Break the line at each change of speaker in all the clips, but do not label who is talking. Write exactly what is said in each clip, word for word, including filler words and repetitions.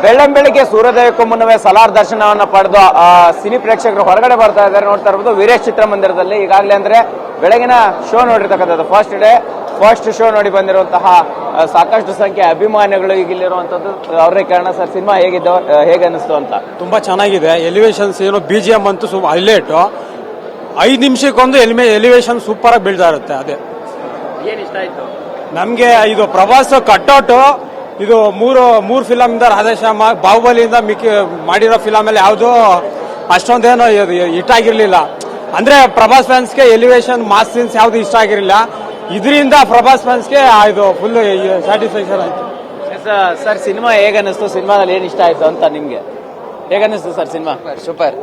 ಬೆಳ್ಳಂಬೆಳಿಗ್ಗೆ ಸೂರ್ಯೋದಯಕ್ಕೂ ಮುನ್ನವೇ ಸಲಾರ್ ದರ್ಶನವನ್ನ ಪಡೆದು ಆ ಸಿನಿ ಪ್ರೇಕ್ಷಕರು ಹೊರಗಡೆ ಬರ್ತಾ ಇದ್ದಾರೆ. ನೋಡ್ತಾ ಇರ್ಬೋದು ವೀರೇಶ್ ಚಿತ್ರಮಂದಿರದಲ್ಲಿ ಈಗಾಗಲೇ ಅಂದ್ರೆ ಬೆಳಗಿನ ಶೋ ನೋಡಿರ್ತಕ್ಕಂಥದ್ದು ಫಸ್ಟ್ ಡೇ ಫಸ್ಟ್ ಶೋ ನೋಡಿ ಬಂದಿರುವಂತಹ ಸಾಕಷ್ಟು ಸಂಖ್ಯೆ ಅಭಿಮಾನಿಗಳು ಈಗ ಇಲ್ಲಿರುವಂತದ್ದು. ಅವರೇ ಕಾರಣ ಸರ್, ಸಿನಿಮಾ ಹೇಗಿದ್ದು, ಹೇಗೆ ಅನಿಸ್ತು ಅಂತ?
ತುಂಬಾ ಚೆನ್ನಾಗಿದೆ. ಎಲಿವೇಶನ್ಸ್ ಏನು ಬಿ ಜಿ ಎಂ ಅಂತೂ ಹೈಲೈಟ್. ಐದು ನಿಮಿಷಕ್ಕೊಂದು ಎಲಿಮೆ ಎಲಿವೇಶನ್ ಸೂಪರ್ ಆಗಿ ಬೀಳ್ತಾ ಇರುತ್ತೆ. ಅದೇ
ಏನ್ ಇಷ್ಟ ಆಯ್ತು
ನಮ್ಗೆ. ಇದು ಪ್ರವಾಸ ಕಟ್ಔಟ್ ಇದು ಮೂರು ಮೂರು ಫಿಲಮ್ ಇಂದ ರಾಧೇಶ್ಯಾಮ ಬಾಹುಬಲಿಯಿಂದ ಮಿಕ್ಕಿ ಮಾಡಿರೋ ಫಿಲಮ್ ಅಲ್ಲಿ ಯಾವುದು ಅಷ್ಟೊಂದೇನೋ ಹಿಟ್ ಆಗಿರ್ಲಿಲ್ಲ. ಅಂದ್ರೆ ಪ್ರಭಾಸ್ ಫ್ಯಾನ್ಸ್ಗೆ ಎಲಿವೇಶನ್ ಮಾಸ್ ಸೀನ್ಸ್ ಯಾವ್ದು ಇಷ್ಟ ಆಗಿರಲಿಲ್ಲ. ಇದರಿಂದ ಪ್ರಭಾಸ್ ಫ್ಯಾನ್ಸ್ಗೆ ಇದು ಫುಲ್ ಸ್ಯಾಟಿಸ್ಫ್ಯಾಕ್ಷನ್ ಆಯ್ತು.
ಸರ್, ಸಿನಿಮಾ ಹೇಗ ಅನಿಸ್ತು? ಸಿನಿಮಾದಲ್ಲಿ ಏನ್ ಇಷ್ಟ ಆಯ್ತು ಅಂತ ನಿಮ್ಗೆ ಹೇಗನ್ನಿಸ್ತು sir cinema?
Super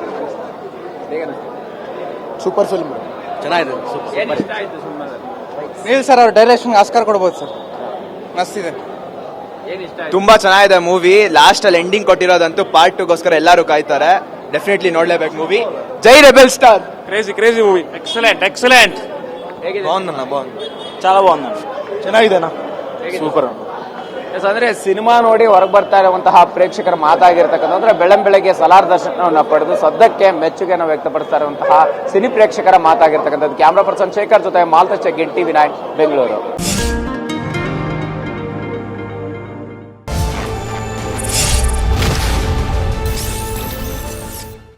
super film ಚೆನ್ನಾಗಿದೆ. ನೀಲ್ ಸರ್ ಅವ್ರ ಡೈರೆಕ್ಷನ್ ಆಸ್ಕರ್ ಕೊಡ್ಬೋದು ಸರ್, ಮಸ್ತ್ ಇದೆ.
ತುಂಬಾ ಚೆನ್ನಾಗಿದೆ ಮೂವಿ. ಲಾಸ್ಟ್ ಅಲ್ಲಿ ಎಂಡಿಂಗ್ ಕೊಟ್ಟಿರೋದಂತೂ ಪಾರ್ಟ್ ಟೂಗೋಸ್ಕರ ಎಲ್ಲರೂ ಕಾಯ್ತಾರೆ. ಡೆಫಿನೆಟ್ಲಿ ನೋಡ್ಲೇಬೇಕು ಮೂವಿ. ಜೈ rebel star.
Crazy crazy movie. Excellent excellent.
ಬಾగుందన్న ಬಾగుంది.
చాలా బాగుంది.
ಚೆನ್ನಾಗಿದೆನಾ?
ಸೂಪರ್. ಅಂದ್ರೆ ಸಿನಿಮಾ ನೋಡಿ ಹೊರಗೆ ಬರ್ತಾ ಇರುವಂತಹ ಪ್ರೇಕ್ಷಕರ ಮಾತಾಗಿರ್ತಕ್ಕಂಥ ಅಂದ್ರೆ ಬೆಳ್ಳಂಬೆಳಗ್ಗೆ ಸಲಾರ್ ದರ್ಶನವನ್ನ ಪಡೆದು ಸದ್ಯಕ್ಕೆ ಮೆಚ್ಚುಗೆಯನ್ನು ವ್ಯಕ್ತಪಡಿಸ್ತಾ ಇರುವಂತಹ ಸಿನಿ ಪ್ರೇಕ್ಷಕರ ಮಾತಾಗಿರ್ತಕ್ಕಂಥದ್ದು. ಕ್ಯಾಮ್ರಾ ಪರ್ಸನ್ ಶೇಖರ್ ಜೊತೆ ಮಾಲ್ತಚ ಗಿನ್ ಟಿವಿ ನೈನ್ ಬೆಂಗಳೂರು.